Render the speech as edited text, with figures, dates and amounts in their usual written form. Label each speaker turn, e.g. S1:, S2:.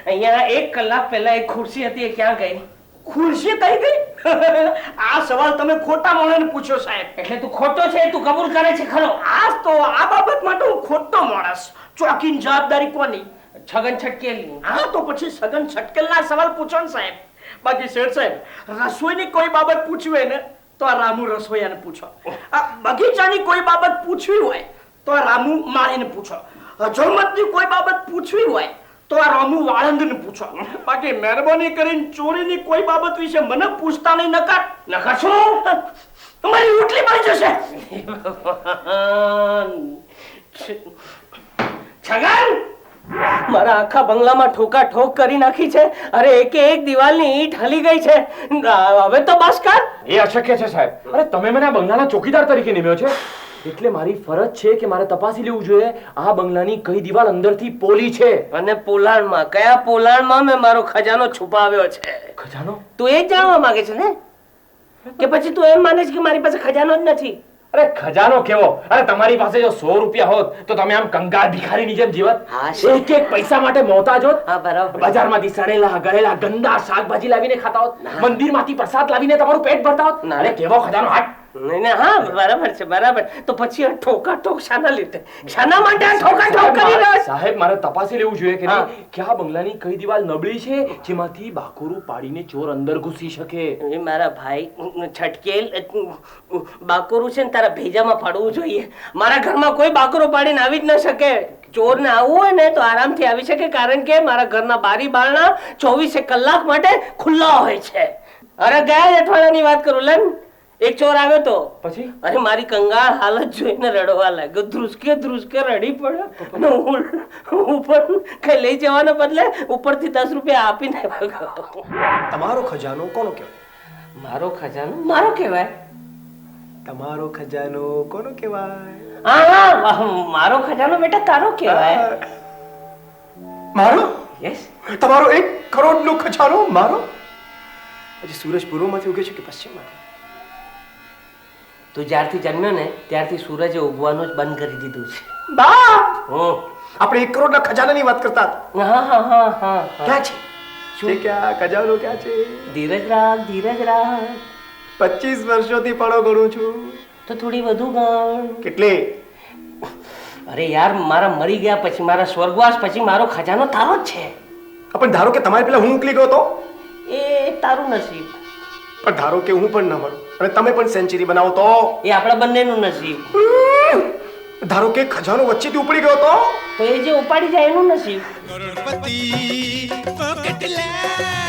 S1: અહીંયા 1 કલાક પહેલા એક ખુરશી હતી એ ક્યાં ગઈ?
S2: ખુરશી કઈ ગઈ? આ સવાલ તમે ખોટા માણસને પૂછ્યો સાહેબ.
S1: એટલે તું ખોટો છે તું કબૂલ કરે છે ખરો?
S2: આ બાબત માટે હું ખોટો માણસ. ચોકીની જવાબદારી કોની?
S1: છગન છટકેલી.
S2: હા તો પછી સગન છટકેલના સવાલ પૂછો ને સાહેબ. બાકી શેઠ સાહેબ રસોઈની કોઈ બાબત પૂછવી હોય ને તો આ રામુ રસોઈયાને પૂછો. આ બગીચાની કોઈ બાબત પૂછવી હોય તો આ રામુ માળીને પૂછો. હજોમતની કોઈ બાબત પૂછવી હોય તો આ રામુ વાળંદને પૂછો. બાકી મહેરબાની કરીને ચોરીની કોઈ બાબત વિશે મને પૂછતા નહીં. નકર શું તમારી ઉટલી પડી જશે.
S1: છગન મારા આખા બંગલામાં ઠોકા ઠોક કરી નાખી છે. અરે એક દિવાલની ઈંટ હલી ગઈ છે. હવે તો બસ કર.
S3: એ અશક્ય છે સાહેબ. અરે તમે મને આ બંગલાના ચોકીદાર તરીકે નિમ્યો છે એટલે મારી ફરજ છે કે મારે તપાસી લેવું જોઈએ આ બંગલાની કઈ દિવાલ અંદરથી પોલી છે.
S1: અને પોલાણમાં કયા પોલાણમાં મેં મારો ખજાનો છુપાવ્યો છે?
S3: ખજાનો?
S1: તું એ જ જાણવા માંગે છે ને કે પછી તું એમ માને છે કે મારી પાસે ખજાનો જ નથી?
S3: અરે ખજાનો કેવો? અરે તમારી પાસે જો 100 રૂપિયા હોત તો તમે આમ કંગાળ ભિખારીની જેમ જીવત. એક એક પૈસા માટે મોહતાજ હોત.
S1: હા બરાબર.
S3: બજારમાંથી સડેલા ગળેલા ગંદા શાકભાજી લાવીને ખાતા હોત. મંદિરમાંથી પ્રસાદ લાવીને તમારું પેટ ભરતા હોત. અરે કેવો ખજાનો! હાટ.
S1: નહીં હા બરાબર છે બરાબર. તો પછી આ ઠોકા ઠોક શાના લીધે? શાના માટે આ ઠોકા ઠોક કરી રહ્યો છે?
S3: સાહેબ મારે તપાસી લેવું જોઈએ કે નહીં કે આ બંગલાની કઈ દિવાલ નબળી છે જેમાંથી બાકોરું પાડીને ચોર અંદર ઘૂસી શકે.
S1: એ મારા ભાઈ છટકેલ બાકોરું છે ને તારા ભેજામાં પાડવું જોઈએ. મારા ઘરમાં કોઈ બાકોરો પાડીને આવી જ ન શકે. ચોરને આવવું હોય ને તો આરામથી આવી શકે કારણ કે મારા ઘરના બારી બારણા 24 કલાક માટે ખુલ્લા હોય છે. અરે ગયા અઠવાડિયાની વાત કરું લે. એક ચોર આવ્યો તો
S3: પછી
S1: અરે મારી કંગાળ હાલત જોઈને રડવા લાગ્યો. ધ્રુસકે રડી પડ્યો અને હું પણ કઈ લઈ જવાના બદલે ઉપરથી 10 રૂપિયા આપીને ભાગ્યો.
S2: તમારો ખજાનો કોનો કહેવાય?
S1: મારો ખજાનો મારો કહેવાય.
S2: તમારો ખજાનો કોનો કહેવાય?
S1: હા મારો ખજાનો બેટા તારો કહેવાય.
S2: મારો?
S1: યસ.
S2: તમારો 1 કરોડનો ખજાનો મારો? હજી સૂરજ પૂર્વમાંથી ઉગે છે કે પશ્ચિમમાંથી?
S1: તું જ્યારથી જન્મ્યો ને ત્યારથી સૂરજે ઉગવાનું જ બંધ કરી દીધું છે.
S2: બા આપણે 1 કરોડના ખજાનાની વાત કરતા હતા.
S1: હા
S2: ક્યાં છે? શું ક્યાં ખજાનો ક્યાં છે?
S1: ધીરજ રાખ.
S2: 25 વર્ષોથી પડો ગણું છું.
S1: તો થોડી વધુ ગણ.
S2: કેટલે?
S1: અરે યાર મારા મરી ગયા પછી મારા સ્વર્ગવાસ પછી મારો ખજાનો તારો જ છે.
S2: પણ ધારો કે તમારે પેલા હું ઉકલી ગયો તો
S1: એ તારું નસીબ.
S2: પણ ધારો કે હું પણ ન મળું અને તમે પણ સેન્ચુરી બનાવો તો
S1: એ આપણા બંનેનું નસીબ.
S2: ધારો કે ખજાનો વચ્ચેથી ઉપડી ગયો તો
S1: એ જે ઉપાડી જાય એનું નસીબ.
S4: કરોડપતિ પોકેટ લે